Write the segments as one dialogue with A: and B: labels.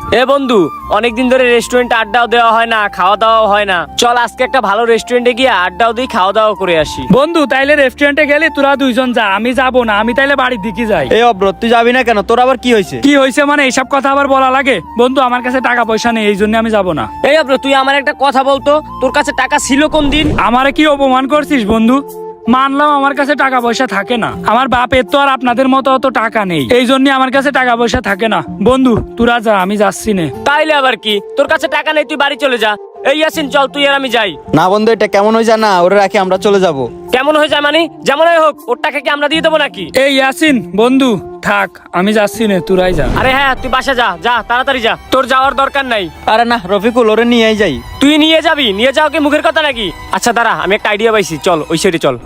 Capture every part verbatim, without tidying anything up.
A: এ বন্ধু, অনেকদিন ধরে রেস্টুরেন্টে আড্ডাও দেওয়া হয় না, খাওয়া দাওয়াও হয় না। চল আজকে একটা ভালো রেস্টুরেন্টে গিয়ে আড্ডাও দিই, খাওয়া দাওয়া করে আসি।
B: বন্ধু তাইলে রেস্টুরেন্টে গেলে তোরা দুইজন যা, আমি যাবো না। আমি তাইলে বাড়ির দিকে যাই।
C: এই অব্র, তুই যাবি না কেন? তোর আবার কি হয়েছে?
B: কি হয়েছে মানে এইসব কথা আবার বলা লাগে? বন্ধু আমার কাছে টাকা পয়সা নেই, এই জন্য আমি যাবো না।
A: এই ব্রো, তুই আমার একটা কথা বলতো, তোর কাছে টাকা ছিল কোন দিন?
B: আমারে কি অপমান করছিস বন্ধু? মানলাম আমার কাছে টাকা পয়সা থাকে না, আমার বাপের তো আর আপনাদের মতো অত টাকা নেই, এই জন্য আমার কাছে টাকা পয়সা থাকে না। বন্ধু তোরা যা, আমি যাচ্ছি নে।
A: তাইলে আবার কি, তোর কাছে টাকা নেই, তুই বাড়ি চলে যা। এই ইয়াসিন, চল তুই আর আমি যাই।
C: না বন্ধু, এটা কেমন হয়ে যায় না? ওরে রাখি, আমরা চলে যাব।
A: কেমন হয়ে যায় মানে? যেমনই হোক, ওর টাকা কি আমরা দিয়ে দেবো নাকি?
B: এই ইয়াসিন বন্ধু থাক, আমি যাচ্ছি নে, তোরাই যা।
A: আরে হ্যাঁ, তুই বাসা যা, যা তাড়াতাড়ি যা, তোর যাওয়ার দরকার নাই।
C: আরে না রফিকুল, ওরে নিয়েই যাই।
A: তুই নিয়ে যাবি? নিয়ে যাও কি মুখের কথা নাকি? আচ্ছা দাঁড়া, আমি একটা আইডিয়া পাইছি, চল ওই সাইডে চল।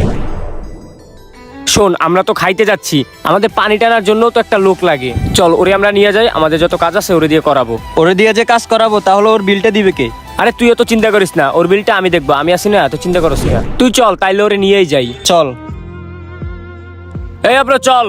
A: শোন, আমরা তো খাইতে যাচ্ছি, আমাদের পানি টানার জন্য তো একটা লোক লাগে। চল ওরে আমরা নিয়ে যাই, আমাদের যত কাজ আছে ওরে দিয়ে করাবো।
C: ওরে দিয়ে যে কাজ করাবো, তাহলে ওর বিলটা দিবে কে?
A: আরে তুই এত চিন্তা করিস না, ওর বিলটা আমি দেখবো, আমি আসি না, এত চিন্তা করিস না। তুই চল, তাইলে ওরে নিয়েই যাই।
C: চল।
A: এই ব্রো চল।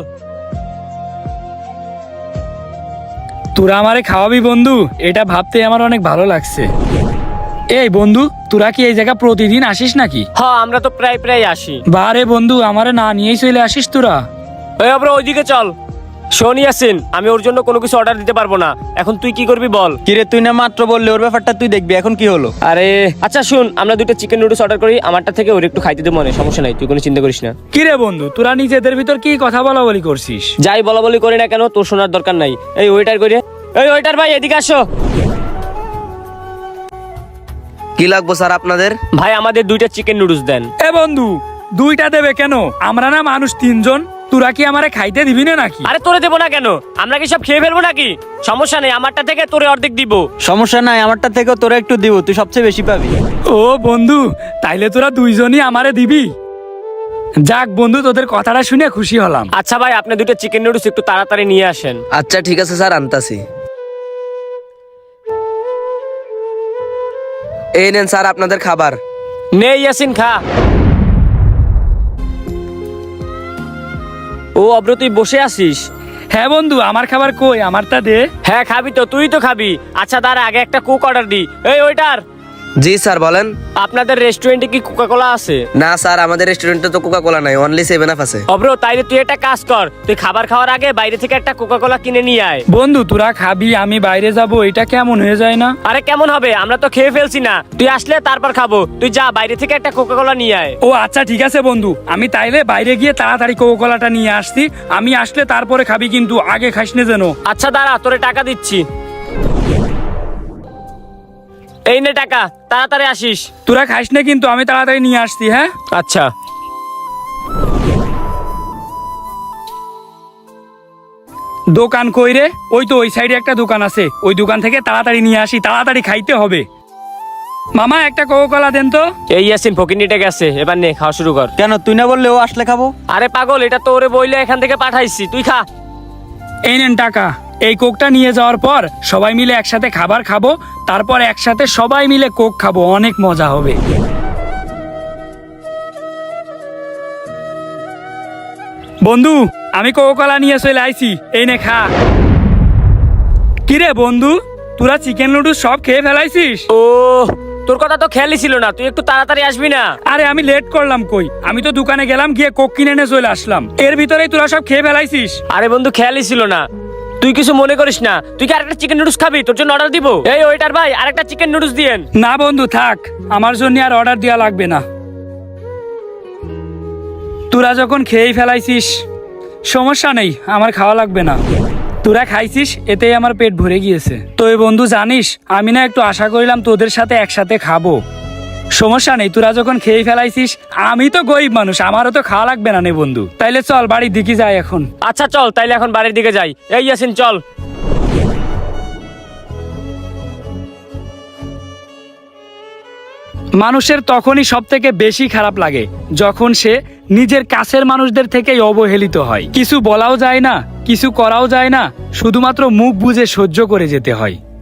B: তোরা আমারে খাওয়াবি বন্ধু, এটা ভাবতে আমার অনেক ভালো লাগছে। এই বন্ধু, তোরা কি এই জায়গা প্রতিদিন আসিস নাকি?
A: হ্যাঁ, আমরা তো প্রায় প্রায় আসি।
B: বারে বন্ধু, আমারে না নিয়েই চলে আসিস তোরা।
A: এই ব্রো ওইদিকে চল। শোন ইয়াসিন, আমি ওর জন্য কোনো কিছু অর্ডার দিতে পারবো না, এখন তুই কি করবি বল।
C: কিরে, তুই না মাত্র বললি ওর ব্যাপারটা তুই দেখবি, এখন কি হলো?
A: আরে আচ্ছা শুন, আমরা দুটো চিকেন নুডলস অর্ডার করি, আমারটা থেকে ওর একটু খাইতে দে, মনে সমস্যা নাই, তুই কোনো চিন্তা করিস না।
B: কি রে বন্ধু, তোরা নিজেদের ভিতর কি কথা বলা বলি করছিস?
A: যাই বলা বলি করি না কেন, তোর শোনার দরকার নাই। এই ওয়েটার করি, এই ওয়েটার ভাই এদিকে আসো।
D: কি লাগবো স্যার আপনাদের?
A: ভাই আমাদের দুইটা চিকেন নুডলস দেন।
B: এ বন্ধু, দুইটা দেবে কেন? আমরা না মানুষ তিনজন, তোরা কি আমারে খাইতে দিবি না নাকি?
A: আরে তোরে দেবো না কেন? আমরা কি সব খেয়ে ফেলবো নাকি? সমস্যা নেই, আমারটা থেকে তোরে অর্ধেক দিব।
C: সমস্যা নাই, আমারটা থেকেও তোরা একটু দিব, তুই সবচেয়ে বেশি পাবি।
B: ও বন্ধু, তাইলে তোরা দুইজনই আমারে দিবি? যাক বন্ধু, তোদের কথাটা শুনে খুশি হলাম।
A: আচ্ছা ভাই, আপনি দুটো চিকেন নুডলস একটু তাড়াতাড়ি নিয়ে আসেন।
D: আচ্ছা ঠিক আছে স্যার, আনতাছি। এই নেন স্যার আপনাদের খাবার।
A: নে ইয়াসিন, খা। ও অব্র, তুই বসে আছিস?
B: হ্যাঁ বন্ধু, আমার খাবার কই? আমারটা দে।
A: হ্যাঁ খাবি তো, তুই তো খাবি। আচ্ছা দাঁড়া, আগে একটা কোক অর্ডার দি। এই ওয়েটার,
D: জি স্যার বলেন।
A: আপনাদের রেস্টুরেন্টে কি কোকা কোলা আছে?
D: না স্যার, আমাদের রেস্টুরেন্টে তো কোকা কোলা নাই, অনলি সেভেন আপ আছে।
A: অব্র, তাইলে তুই একটা কাজ কর, তুই খাবার খাওয়ার আগে বাইরে থেকে একটা কোকা কোলা কিনে নিয়ে আয়।
B: বন্ধু তোরা খাবি, আমি বাইরে যাব, এটা কেমন হয়ে যায় না?
A: আরে কেমন হবে? আমরা তো খেয়ে ফেলছি না, তুই আসলে তারপর খাবো। তুই যা, বাইরে থেকে একটা কোকা কোলা নিয়ে আয়।
B: ও আচ্ছা ঠিক আছে বন্ধু, আমি তাইলে বাইরে গিয়ে তাড়াতাড়ি কোকা কোলাটা নিয়ে আসছি। আমি আসলে তারপরে খাবি, কিন্তু আগে খাস না যেন।
A: আচ্ছা দাঁড়া, তোরে টাকা দিচ্ছি। এই নে টাকা, তাড়াতাড়ি আসিস।
B: তোরা খাস না কিন্তু, আমি তাড়াতাড়ি নিয়ে আসছি। হ্যাঁ
A: আচ্ছা।
B: দোকান কই রে? ওই তো ওই সাইডে একটা দোকান আছে, ওই দোকান থেকে তাড়াতাড়ি নিয়ে আসি, তাড়াতাড়ি খাইতে হবে। মামা একটা কোকা কোলা দেন তো।
A: এই ইয়াসিন, ফকিনিটা গেছে, এবার নে খাওয়া শুরু কর।
C: কেন, তুই না বললে ও আসলে খাবো?
A: আরে পাগল, এটা তো ওরে বইলে এখান থেকে পাঠাইছি, তুই খা।
B: এই নেন টাকা। এই কোকটা নিয়ে যাওয়ার পর সবাই মিলে একসাথে খাবার খাবো, তারপর একসাথে সবাই মিলে কোক খাবো, অনেক মজা হবে। বন্ধু আমি কোকা কোলা নিয়ে চলে আইছি, এই নে খা। কিরে বন্ধু, তোরা চিকেন নুডলস সব খেয়ে ফেলাইছিস?
A: ও, তোর কথা তো খেয়ালই ছিল না, তুই একটু তাড়াতাড়ি আসবি না?
B: আরে আমি লেট করলাম কই, আমি তো দোকানে গেলাম, গিয়ে কোক কিনে এনে চলে আসলাম, এর ভিতরেই তোরা সব খেয়ে ফেলাইছিস।
A: আরে বন্ধু, খেয়ালই ছিল না, তুই কিছু মনে করিস না। তুই কি আরেকটা চিকেন নুডলস খাবি? তোর জন্য অর্ডার দিব। এই ওয়েটার ভাই, আরেকটা চিকেন নুডলস দিয়েন।
B: না বন্ধু থাক, আমার জন্য আর অর্ডার দেওয়া লাগবে না। তোরা যখন খেয়েই ফেলাইছিস, সমস্যা নেই, আমার খাওয়া লাগবে না। তোরা খাইছিস, এতেই আমার পেট ভরে গিয়েছে। তো এই বন্ধু জানিস, আমি না একটু আশা করিলাম তোদের সাথে একসাথে খাবো। সমস্যা নেই, তোরা যখন খেয়ে ফেলাইছিস, আমি তো গরিব মানুষ, আমারও তো খাওয়া লাগবে না নে বন্ধু। তাইলে চল বাড়ির দিকে যাই এখন।
A: আচ্ছা চল, তাইলে এখন বাড়ির দিকে যাই। এই ইয়াসিন চল।
B: মানুষের তখনই সব থেকে বেশি খারাপ লাগে যখন সে নিজের কাছের মানুষদের থেকেই অবহেলিত হয়। কিছু বলাও যায় না, কিছু করাও যায় না, শুধুমাত্র মুখ বুজে সহ্য করে যেতে হয়।